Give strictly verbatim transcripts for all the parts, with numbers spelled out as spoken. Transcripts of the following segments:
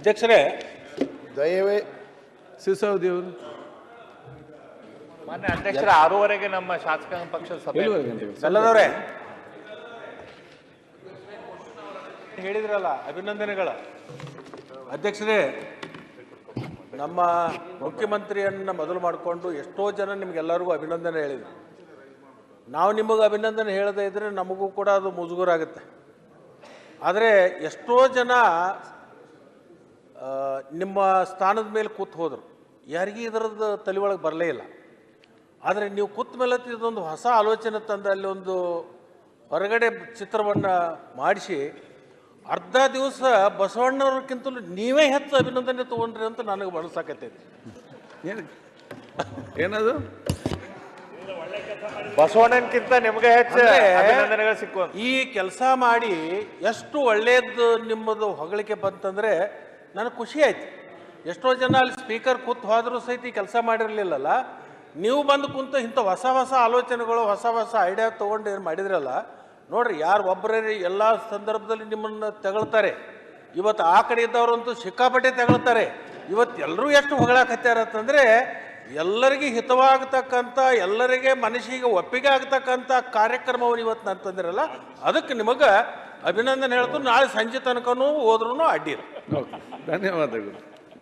ಅಧ್ಯಕ್ಷರೇ, ದಯವೇ ಸಿಸೋದಿ ಅವರು ಮಾನ್ಯ ಅಧ್ಯಕ್ಷರ ಆರೂವರೆಗೆ ನಮ್ಮ ಶಾಸಕಾಂಗ ಪಕ್ಷದ ಸಭೆ ಸಲ್ಲದವ್ರೆ ಹೇಳಿದ್ರಲ್ಲ, ಅಭಿನಂದನೆಗಳ. ಅಧ್ಯಕ್ಷರೇ, ನಮ್ಮ ಮುಖ್ಯಮಂತ್ರಿಯನ್ನ ಮೊದಲು ಮಾಡಿಕೊಂಡು ಎಷ್ಟೋ ಜನ ನಿಮಗೆಲ್ಲರಿಗೂ ಅಭಿನಂದನೆ ಹೇಳಿದರು. ನಾವು ನಿಮಗೆ ಅಭಿನಂದನೆ ಹೇಳದೇ ಇದ್ದರೆ ನಮಗೂ ಕೂಡ ಅದು ಮುಜುಗರ ಆಗುತ್ತೆ. ಆದರೆ ಎಷ್ಟೋ ಜನ ನಿಮ್ಮ ಸ್ಥಾನದ ಮೇಲೆ ಕೂತು ಹೋದರು, ಯಾರಿಗೂ ಇದರದ್ದು ತಲೆ ಒಳಗೆ ಬರಲೇ ಇಲ್ಲ. ಆದರೆ ನೀವು ಕೂತ ಮೇಲೆ ಇದೊಂದು ಹೊಸ ಆಲೋಚನೆ ತಂದು ಅಲ್ಲಿ ಒಂದು ಹೊರಗಡೆ ಚಿತ್ರವನ್ನು ಮಾಡಿಸಿ ಅರ್ಧ ದಿವಸ ಬಸವಣ್ಣವ್ರಕ್ಕಿಂತಲೂ ನೀವೇ ಹೆಚ್ಚು ಅಭಿನಂದನೆ ತೊಗೊಂಡ್ರಿ ಅಂತ ನನಗೆ ಮನಸ್ಸಾಕತ್ತೈತಿ. ಏನು ಏನದು ಬಸವಣ್ಣನಕ್ಕಿಂತ ನಿಮಗೆ ಹೆಚ್ಚು ಅಭಿನಂದನೆಗಳು ಸಿಕ್ಕು. ಈ ಕೆಲಸ ಮಾಡಿ ಎಷ್ಟು ಒಳ್ಳೆಯದು ನಿಮ್ಮದು ಹೊಗಳಿಕೆ ಬಂತಂದರೆ ನನಗೆ ಖುಷಿ ಆಯ್ತು. ಎಷ್ಟೋ ಜನ ಅಲ್ಲಿ ಸ್ಪೀಕರ್ ಕೂತು ಹೋದರೂ ಸಹಿತ ಈ ಕೆಲಸ ಮಾಡಿರಲಿಲ್ಲಲ್ಲ, ನೀವು ಬಂದು ಕುಂತು ಇಂಥ ಹೊಸ ಹೊಸ ಆಲೋಚನೆಗಳು ಹೊಸ ಹೊಸ ಐಡಿಯಾ ತೊಗೊಂಡು ಏನು ಮಾಡಿದ್ರಲ್ಲ ನೋಡ್ರಿ. ಯಾರು ಒಬ್ಬರೇ ಎಲ್ಲ ಸಂದರ್ಭದಲ್ಲಿ ನಿಮ್ಮನ್ನು ತೆಗಳ್ತಾರೆ. ಇವತ್ತು ಆ ಕಡೆ ಇದ್ದವರಂತೂ ಸಿಕ್ಕಾಪಟ್ಟೆ ತೆಗಳ್ತಾರೆ. ಇವತ್ತು ಎಲ್ಲರೂ ಎಷ್ಟು ಹೊಗಳಾಕತ್ಯಾರ ಅಂತಂದರೆ ಎಲ್ಲರಿಗೆ ಹಿತವಾಗತಕ್ಕಂಥ, ಎಲ್ಲರಿಗೆ ಮನಸ್ಸಿಗೆ ಒಪ್ಪಿಗೆ ಆಗ್ತಕ್ಕಂಥ ಕಾರ್ಯಕ್ರಮವನ್ನು ಇವತ್ತು ನಾನು ತಂದಿರಲ್ಲ, ಅದಕ್ಕೆ ನಿಮಗೆ ಅಭಿನಂದನೆ ಹೇಳ್ತು. ನಾಳೆ ಸಂಜೆ ತನಕನೂ ಹೋದ್ರೂ ಅಡ್ಡಿಲ್ಲ. ಧನ್ಯವಾದಗಳು.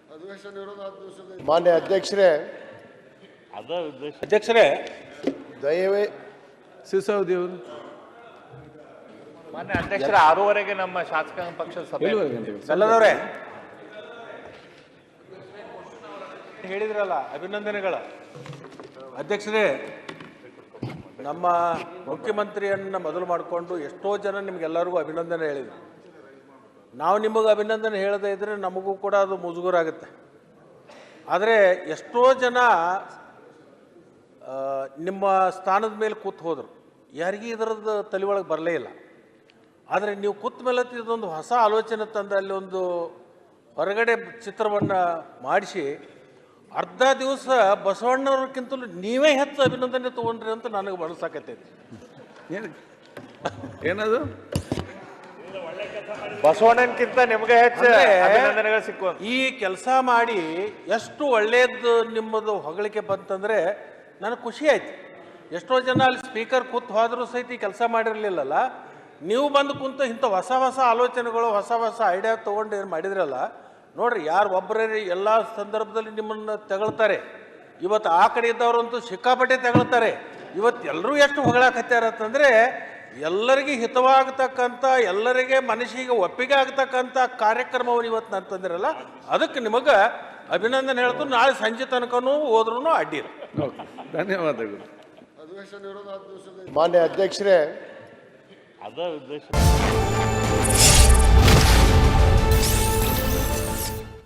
ಮಾನ್ಯ ಅಧ್ಯಕ್ಷರೇ, ಅಧ್ಯಕ್ಷರೇ, ದಯವೇ ಸಿಸೋದಿ ಅವರು ಮಾನ್ಯ ಅಧ್ಯಕ್ಷರ ಆರೂವರೆಗೆ ನಮ್ಮ ಶಾಸಕಾಂಗ ಪಕ್ಷದ ಸಭೆ ಸಲ್ಲದವ್ರೆ ಹೇಳಿದ್ರಲ್ಲ, ಅಭಿನಂದನೆಗಳ. ಅಧ್ಯಕ್ಷರೇ, ನಮ್ಮ ಮುಖ್ಯಮಂತ್ರಿಯನ್ನ ಮೊದಲು ಮಾಡಿಕೊಂಡು ಎಷ್ಟೋ ಜನ ನಿಮಗೆಲ್ಲರಿಗೂ ಅಭಿನಂದನೆ ಹೇಳಿದರು. ನಾವು ನಿಮಗೆ ಅಭಿನಂದನೆ ಹೇಳದೇ ಇದ್ದರೆ ನಮಗೂ ಕೂಡ ಅದು ಮುಜುಗರ ಆಗುತ್ತೆ. ಆದರೆ ಎಷ್ಟೋ ಜನ ನಿಮ್ಮ ಸ್ಥಾನದ ಮೇಲೆ ಕೂತು ಹೋದರು, ಯಾರಿಗೂ ಇದರದ್ದು ತಲೆ ಒಳಗೆ ಬರಲೇ ಇಲ್ಲ. ಆದರೆ ನೀವು ಕೂತ ಮೇಲೆ ಇದೊಂದು ಹೊಸ ಆಲೋಚನೆ ತಂದು ಅಲ್ಲಿ ಒಂದು ಹೊರಗಡೆ ಚಿತ್ರವನ್ನು ಮಾಡಿಸಿ ಅರ್ಧ ದಿವಸ ಬಸವಣ್ಣವ್ರಕ್ಕಿಂತಲೂ ನೀವೇ ಹೆಚ್ಚು ಅಭಿನಂದನೆ ತೊಗೊಂಡ್ರಿ ಅಂತ ನನಗೆ ಮನಸ್ಸಾಕತ್ತೈತಿ. ಏನು ಏನದು ಬಸವಣ್ಣನಕ್ಕಿಂತ ನಿಮಗೆ ಹೆಚ್ಚು ಅಭಿನಂದನೆಗಳು ಸಿಕ್ಕು. ಈ ಕೆಲಸ ಮಾಡಿ ಎಷ್ಟು ಒಳ್ಳೆಯದು ನಿಮ್ಮದು ಹೊಗಳಿಕೆ ಬಂತಂದರೆ ನನಗೆ ಖುಷಿ ಆಯ್ತು. ಎಷ್ಟೋ ಜನ ಅಲ್ಲಿ ಸ್ಪೀಕರ್ ಕೂತು ಹೋದರೂ ಸಹಿತ ಈ ಕೆಲಸ ಮಾಡಿರಲಿಲ್ಲಲ್ಲ, ನೀವು ಬಂದು ಕುಂತು ಇಂಥ ಹೊಸ ಹೊಸ ಆಲೋಚನೆಗಳು ಹೊಸ ಹೊಸ ಐಡಿಯಾ ತೊಗೊಂಡು ಏನು ಮಾಡಿದ್ರಲ್ಲ ನೋಡ್ರಿ. ಯಾರು ಒಬ್ಬರೇ ಎಲ್ಲ ಸಂದರ್ಭದಲ್ಲಿ ನಿಮ್ಮನ್ನು ತೆಗಳ್ತಾರೆ. ಇವತ್ತು ಆ ಕಡೆ ಇದ್ದವರಂತೂ ಸಿಕ್ಕಾಪಟ್ಟೆ ತೆಗಳ್ತಾರೆ. ಇವತ್ತು ಎಲ್ಲರೂ ಎಷ್ಟು ಹೊಗಳಾಕತ್ಯಾರ ಅಂತಂದರೆ ಎಲ್ಲರಿಗೆ ಹಿತವಾಗತಕ್ಕಂಥ, ಎಲ್ಲರಿಗೆ ಮನಸ್ಸಿಗೆ ಒಪ್ಪಿಗೆ ಆಗ್ತಕ್ಕಂಥ ಕಾರ್ಯಕ್ರಮವನ್ನು ಇವತ್ತು ನಾನು ತಂದಿರಲ್ಲ, ಅದಕ್ಕೆ ನಿಮಗೆ ಅಭಿನಂದನೆ ಹೇಳ್ತು. ನಾಳೆ ಸಂಜೆ ತನಕನೂ ಹೋದ್ರೂ ಅಡ್ಡಿಲ್ಲ. ಧನ್ಯವಾದಗಳು. ಮಾನ್ಯ ಅಧ್ಯಕ್ಷರೇ, ಅದ ಉದ್ದೇಶ